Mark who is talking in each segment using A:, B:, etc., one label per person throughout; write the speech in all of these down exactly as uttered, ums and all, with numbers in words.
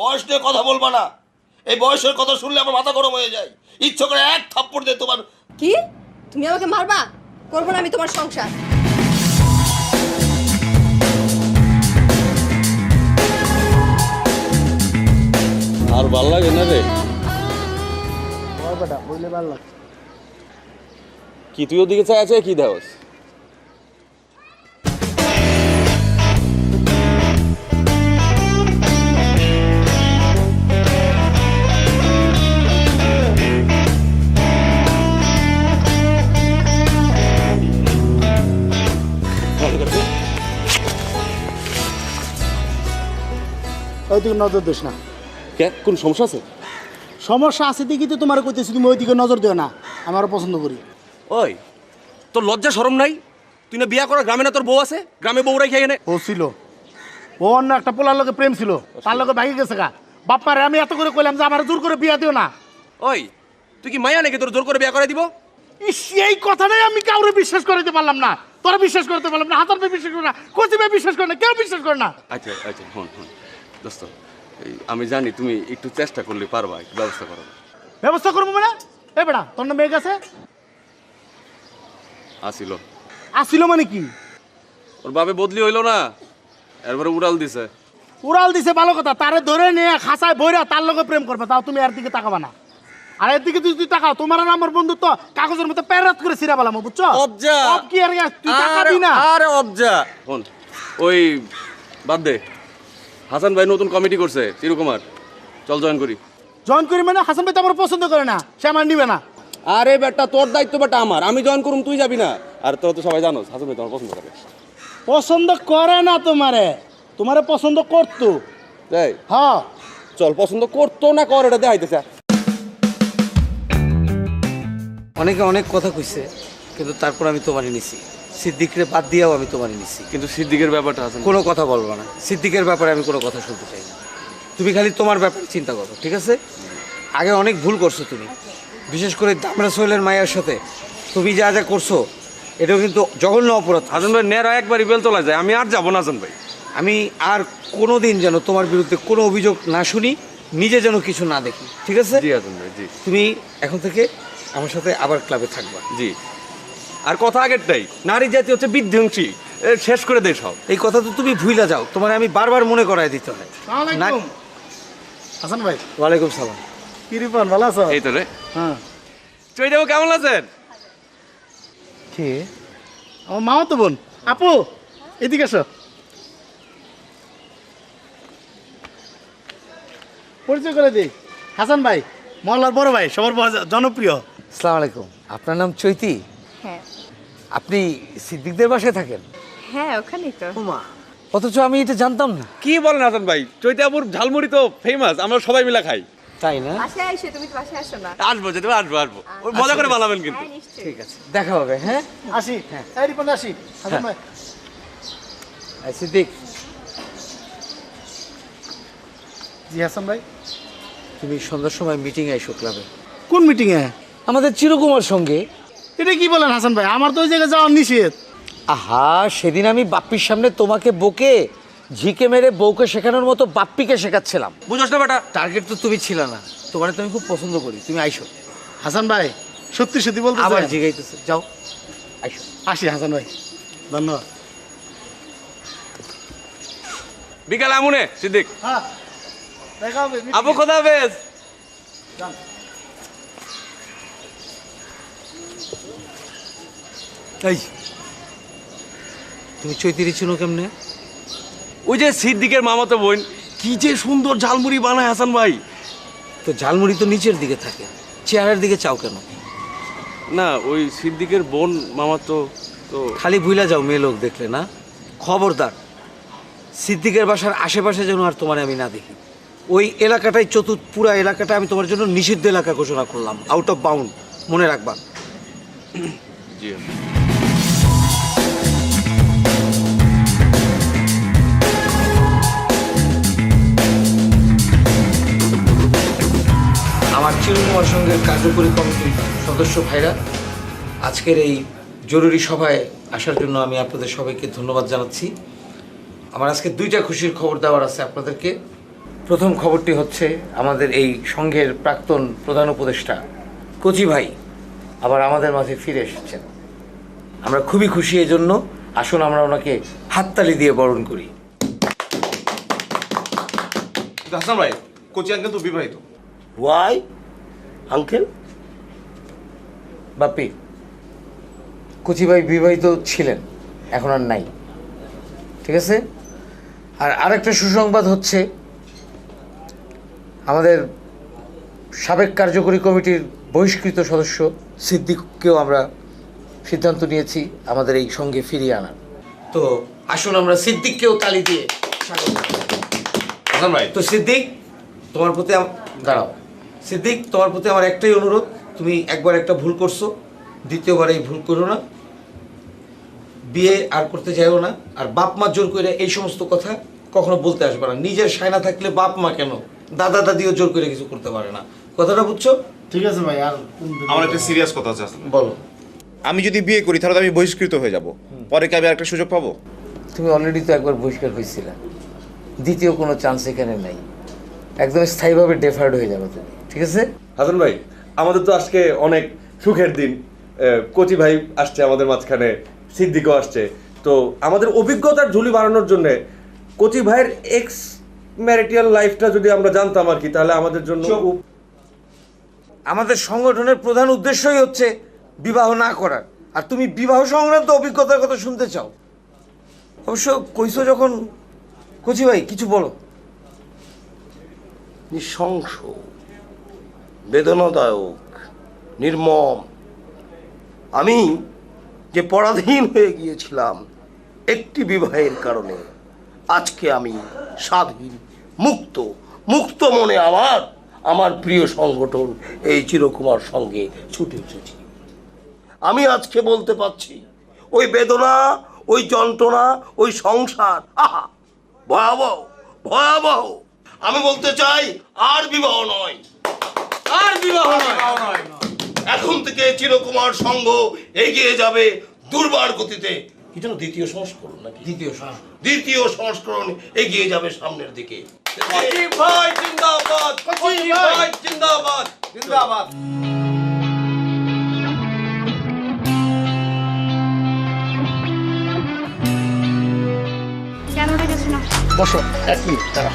A: বয়স নিয়ে কথা বলবা না। এই বয়সের কথা শুনলে আমার মাথা গরম হয়ে যায়। ইচ্ছে করে এক থাপ্পড় দিয়ে তোমার।
B: কি তুমি আমাকে মারবা? করবো না আমি তোমার সংসার।
C: আর ভাল লাগে না রে।
D: বেটা বইলে ভালো লাগছে।
C: কি তুই ওদিকে চাই আছে কি দেওস?
D: ওইদিকে নজর দিস না।
C: কে কোন সমস্যা আছে?
D: সমস্যা আছে দেখি তো তোমার কইতেছি, তুমি ওইদিকে নজর দিও না। আমারও পছন্দ করি।
E: ওই তোর লজ্জা শরম নাই? তুই না বিয়া করা গ্রামে না তোর বউ আছে? গ্রামে বউ রাখি এনে
D: ও ছিল, ও অন্য একটা পোলার লোকে প্রেম ছিল, তার লোকে ভাগি গেছে গা। বাপ্পারে আমি এত করে কইলাম যে আমার জোর করে বিয়া দিও না।
E: ওই তুই কি মায়া নাকি তোর জোর করে বিয়া করে দিব?
D: ইস, এই কথাটাই আমি কাউরে বিশ্বাস করতে পারলাম না। তোরা বিশ্বাস করতে পারলাম না, হাজার ভাই বিশ্বাস করে না, কোচি ভাই বিশ্বাস করে না, কেউ বিশ্বাস করে না।
E: আচ্ছা আচ্ছা হন হন দোস্ত, এই আমি জানি তুমি একটু চেষ্টা করলে পারবা, একটু ব্যবস্থা করো।
D: ব্যবস্থা করবো মানে? এ বেটা তোর না মেয়ে গেছে?
E: আসিল
D: আসিল মানে কি?
E: ওর বাবে বদলি হইলো না, এরপরে উড়াল দিছে।
D: উড়াল দিছে ভালো কথা, তারে ধরে নিয়ে খাসায় বইরা তার লগে প্রেম করবে, তাও তুমি এর দিকে তাকাবা না। আর এর দিকে তুই তুই তাকাও, তোমার আর আমার বন্ধুত্ব কাগজের মতো প্যারাত করে ছিঁড়া পেলাম, বুঝছো?
E: অবজা
D: অব কি আর তুই তাকাবি না?
E: আরে অবজা হন, ওই বাদ দে। হাসান ভাই নতুন কমিটি করছে চিরকুমার, চল জয়েন করি।
D: জয়েন করি মানে? হাসান ভাই তো আমার পছন্দ করে না, সে আমার নিবে না।
E: আরে বেটা তোর দায়িত্ব বেটা আমার, আমি জয়েন করুম তুই যাবি না? আর তোর তো সবাই জানো হাসান ভাই তোমার পছন্দ করে।
D: পছন্দ করে না তোমারে, তোমারে পছন্দ করতো।
E: তাই
D: হ্যাঁ
E: চল, পছন্দ করতো না কর এটা দেখাইতেছে।
F: অনেকে অনেক কথা কইছে, কিন্তু তারপর আমি তোমারই নিছি। সিদ্দিকরে বাদ দিয়েও আমি তোমারই নিছি।
E: কিন্তু সিদ্দিকের ব্যাপারটা আছে,
F: কোনো কথা বলবো না, সিদ্দিকের ব্যাপারে আমি কোনো কথা শুনতে চাই না। তুমি খালি তোমার ব্যাপারে চিন্তা করো, ঠিক আছে? আগে অনেক ভুল করছো তুমি, বিশেষ করে দামরা সোহেলের মায়ের সাথে তুমি যা যা করছো, এটাও কিন্তু জঘন্য অপরাধ।
E: হাসান ভাই নেরা একবারই বেল তোলা যায়, আমি আর যাবো না হাসান ভাই।
F: আমি আর কোনো দিন যেন তোমার বিরুদ্ধে কোনো অভিযোগ না শুনি, নিজে যেন কিছু না দেখি, ঠিক আছে?
E: জি হাসান ভাই জি।
F: তুমি এখন থেকে আমার সাথে আবার ক্লাবে থাকবা।
E: জি, আর কথা আগেরটাই, নারী জাতি হচ্ছে বিধ্বংসী, এ শেষ করে দে সব।
F: এই কথা তো তুমি ভুইলা যাও, তোমার আমি বারবার মনে করাই দিতে হয়।
D: আসসালামু হাসান ভাই।
F: ওয়ালাইকুম সালাম।
D: কি রিপন, ভালো আছো?
E: এই তো রে।
D: হ্যাঁ।
E: চৈতাবু কেমন আছেন?
D: কে? আমার মামা তো বোন। আপু এদিকে আসো, পরিচয় করে দিই। হাসান ভাই মহল্লার বড় ভাই, সবার বড় জনপ্রিয়।
F: আসসালামু আলাইকুম। আপনার নাম চৈতি?
B: হ্যাঁ
F: আপনি সিদ্দিকদের বাসায় থাকেন?
B: হ্যাঁ ওখানেই তো।
F: মা, অথচ আমি এটা জানতাম না।
E: কি বলেন হাসান ভাই, চৈতাবুর ঝালমুড়ি তো ফেমাস, আমরা সবাই মিলে খাই।
F: তাই না?
B: বাসায় আইসো, তুমি তো বাসায় আসো না।
E: আসবো যেতে আসবো আসবো, ওই মজা করে বানাবেন কিন্তু।
B: হ্যাঁ নিশ্চয়ই।
F: ঠিক আছে, দেখা হবে। হ্যাঁ
D: আসি। হ্যাঁ এই রিপন আসি। হাসান ভাই
F: এই সিদ্দিক,
D: জি হাসান ভাই।
F: তুমি সন্ধ্যার সময় মিটিং আইসো ক্লাবে,
D: কোন মিটিং এ?
F: আমাদের চিরকুমার সঙ্গে।
D: এটা কি বলেন হাসান ভাই, আমার তো ওই জায়গায় যাওয়ার নিষেধ।
F: আহা, সেদিন আমি বাপ্পির সামনে তোমাকে বকে ঝিকে মেরে বউকে শেখানোর মতো বাপ্পিকে শেখাচ্ছিলাম।
E: বুঝোস না বেটা?
F: টার্গেট তো তুমি ছিল না, তোমার তো আমি খুব পছন্দ করি, তুমি আইসো।
D: হাসান ভাই সত্যি সত্যি বলতে
F: আবার জিগাইতেছে, যাও আইসো।
D: আসি হাসান ভাই, ধন্যবাদ।
E: বিকালে আমুনে সিদ্দিক।
D: হ্যাঁ দেখা হবে।
E: আবু খোদা হাফেজ।
F: এই, তুমি চৈতিরি চিনো কেমনে?
E: ওই যে সিদ্দিকের মামাতো বোন, কি যে সুন্দর ঝালমুড়ি বানায় হাসান ভাই।
F: তো ঝালমুড়ি তো নিচের দিকে থাকে, চেয়ারের দিকে চাও কেন?
E: না ওই সিদ্দিকের বোন মামাতো তো।
F: খালি ভুইলা যাও মেয়ে লোক দেখলে না। খবরদার, সিদ্দিকের বাসার আশেপাশে যেন আর তোমার আমি না দেখি। ওই এলাকাটাই চতুর্থ, পুরা এলাকাটা আমি তোমার জন্য নিষিদ্ধ এলাকা ঘোষণা করলাম, আউট অফ বাউন্ড, মনে রাখবা।
E: জি
F: আমার চিরকুমার সঙ্গে কার্যকরী কমিটির সদস্য ভাইরা, আজকের এই জরুরি সভায় আসার জন্য আমি আপনাদের সবাইকে ধন্যবাদ জানাচ্ছি। আমার আজকে দুইটা খুশির খবর দেওয়ার আছে আপনাদেরকে। প্রথম খবরটি হচ্ছে আমাদের এই সংঘের প্রাক্তন প্রধান উপদেষ্টা কচি ভাই আবার আমাদের মাঝে ফিরে এসেছেন। আমরা খুবই খুশি এই জন্য। আসুন আমরা ওনাকে হাততালি দিয়ে বরণ করি।
C: হাসান ভাই, কোচি আঙ্কেল তো বিবাহিত।
A: Y uncle?
F: বাপি, কচি ভাই বিবাহিত ছিলেন, এখন আর নাই, ঠিক আছে? আর আরেকটা সুসংবাদ হচ্ছে আমাদের সাবেক কার্যকরী কমিটির বহিষ্কৃত সদস্য সিদ্দিককেও আমরা সিদ্ধান্ত নিয়েছি আমাদের এই সঙ্গে ফিরিয়ে আনার। তো আসুন আমরা সিদ্দিককেও তালি দিয়ে স্বাগত জানাই।
C: হাসান ভাই,
F: তো সিদ্দিক, তোমার প্রতি আম- দাঁড়াও সিদ্দিক, তোমার প্রতি আমার একটাই অনুরোধ, তুমি একবার একটা ভুল করছো, দ্বিতীয়বার এই ভুল করো না, বিয়ে আর করতে যাইও না। আর বাপ মা জোর করে এই সমস্ত কথা কখনো বলতে আসবে না। নিজের সায়না থাকলে বাপ মা কেন, দাদা দাদিও জোর করে কিছু করতে পারে না। কথাটা বুঝছো?
D: ঠিক আছে ভাই। আর
C: আমার একটা সিরিয়াস কথা আছে হাসান।
F: বলো।
G: আমি যদি বিয়ে করি তাহলে তো আমি বহিষ্কৃত হয়ে যাব, পরে কি আমি একটা সুযোগ পাবো?
F: তুমি অলরেডি তো একবার বহিষ্কার হয়েছিল, দ্বিতীয় কোনো চান্স এখানে নাই, একদম স্থায়ীভাবে ডেফার্ড হয়ে যাবে তুমি, ঠিক আছে?
E: হাসান ভাই, আমাদের তো আজকে অনেক সুখের দিন। আহ, কচি ভাই আসছে আমাদের মাঝখানে, সিদ্দিকও আসছে। তো আমাদের অভিজ্ঞতার ঝুলি বাড়ানোর জন্য কচি ভাইয়ের এক্স ম্যারিটাল লাইফটা যদি আমরা জানতাম আর কি, তাহলে আমাদের জন্য উপ-
F: আমাদের সংগঠনের প্রধান উদ্দেশ্যই হচ্ছে বিবাহ না করার, আর তুমি বিবাহ সংক্রান্ত অভিজ্ঞতার কথা শুনতে চাও। অবশ্য কইছো যখন, কচি ভাই কিছু বলো।
A: নৃশংস, বেদনাদায়ক, নির্মম। আমি যে পরাধীন হয়ে গিয়েছিলাম একটি বিবাহের কারণে, আজকে আমি স্বাধীন, মুক্ত, মুক্ত মনে আমার আমার প্রিয় সংগঠন এই চিরকুমার সঙ্গে ছুটে এসেছি। আমি আজকে বলতে পারছি, ওই বেদনা, ওই যন্ত্রণা, ওই সংসার, আহা ভয়াবহ, ভয়াবহ। আমি বলতে চাই আর বিবাহ নয়, আর বিবাহ নয়। এখন থেকে চিরকুমার সংঘ এগিয়ে যাবে দুর্বার গতিতে। কি যেন দ্বিতীয় সংস্করণ নাকি?
F: দ্বিতীয়
A: দ্বিতীয় সংস্করণ এগিয়ে যাবে সামনের দিকে।
E: ভাই জিন্দাবাদ, কচি ভাই জিন্দাবাদ, জিন্দাবাদ।
B: কেন ডেকেছো না?
D: বসো এক মিনিট, দাঁড়া।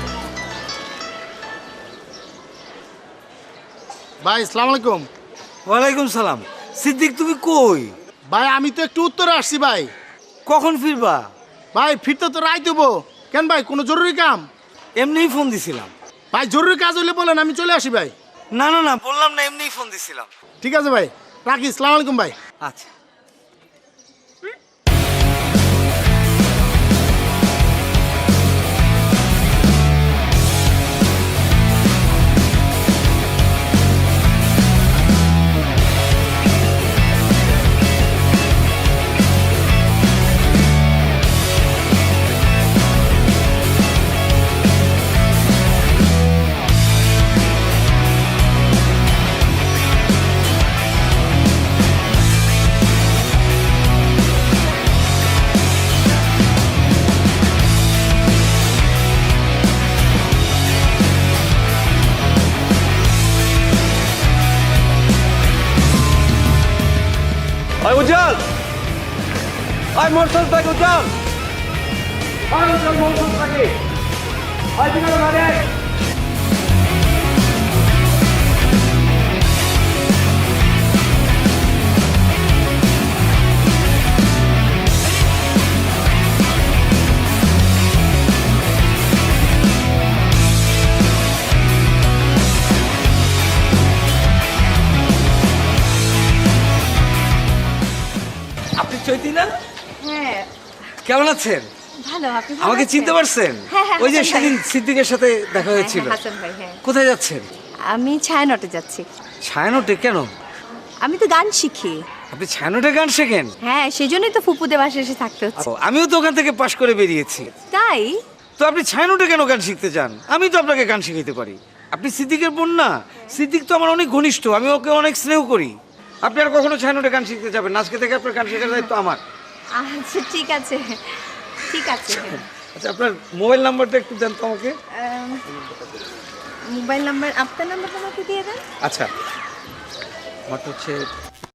D: ভাই আসসালামু আলাইকুম।
F: ওয়ালাইকুম সালাম। সিদ্দিক তুমি কই?
D: ভাই আমি তো একটু উত্তরে আসছি ভাই।
F: কখন ফিরবা?
D: ভাই ফিরতে তো রাত দেবো। কেন ভাই, কোনো জরুরি কাম?
F: এমনিই ফোন দিছিলাম।
D: ভাই জরুরি কাজ হইলে বলেন, আমি চলে আসি ভাই।
F: না না না, বললাম না, এমনিই ফোন দিছিলাম।
D: ঠিক আছে ভাই, রাখি। আসসালামু আলাইকুম ভাই।
F: আচ্ছা।
E: আয় উজ্জ্বল, আয় মোটর সাইকেল উজ্জ্বল, আয় উজ্জ্বল মোটর সাইকেল, আয় বিকালে বাড়ি আয়।
F: আপনি চৈতি না?
B: হ্যাঁ
F: কেমন আছেন?
B: ভালো। আপনি ভালো
F: আমাকে
B: আছেন?
F: চিনতে পারছেন?
B: হ্যাঁ, হ্যাঁ,
F: ওই যে
B: হাসান ভাই।
F: সেদিন সিদ্দিকের সাথে দেখা
B: হ্যাঁ,
F: হয়েছিল।
B: হ্যাঁ, হাসান ভাই, হ্যাঁ।
F: কোথায় যাচ্ছেন?
B: আমি ছায়ানটে যাচ্ছি।
F: ছায়ানটে কেন?
B: আমি তো গান শিখি।
F: আপনি ছায়ানটে গান শেখেন?
B: হ্যাঁ, সেই জন্যই তো ফুপুদের বাসায় এসে থাকতে হচ্ছে।
F: ও, আমিও তো ওখান থেকে পাশ করে বেরিয়েছি।
B: তাই?
F: তো আপনি ছায়ানটে কেন গান শিখতে চান? আমি তো আপনাকে গান শিখাইতে পারি। আপনি সিদ্দিকের বোন না? সিদ্দিক তো আমার অনেক ঘনিষ্ঠ, আমি ওকে অনেক স্নেহ করি। আপনি আর কখনো ছায়ানটে গান শিখতে যাবেন না। আজকে থেকে আপনার গান শেখার দায়িত্ব আমার।
B: আচ্ছা ঠিক আছে, ঠিক আছে।
F: আচ্ছা আপনার মোবাইল নাম্বারটা একটু দেন তো আমাকে।
B: মোবাইল নাম্বার আপনার নাম্বারটা আমাকে দিয়ে দেন।
F: আচ্ছা আমারটা হচ্ছে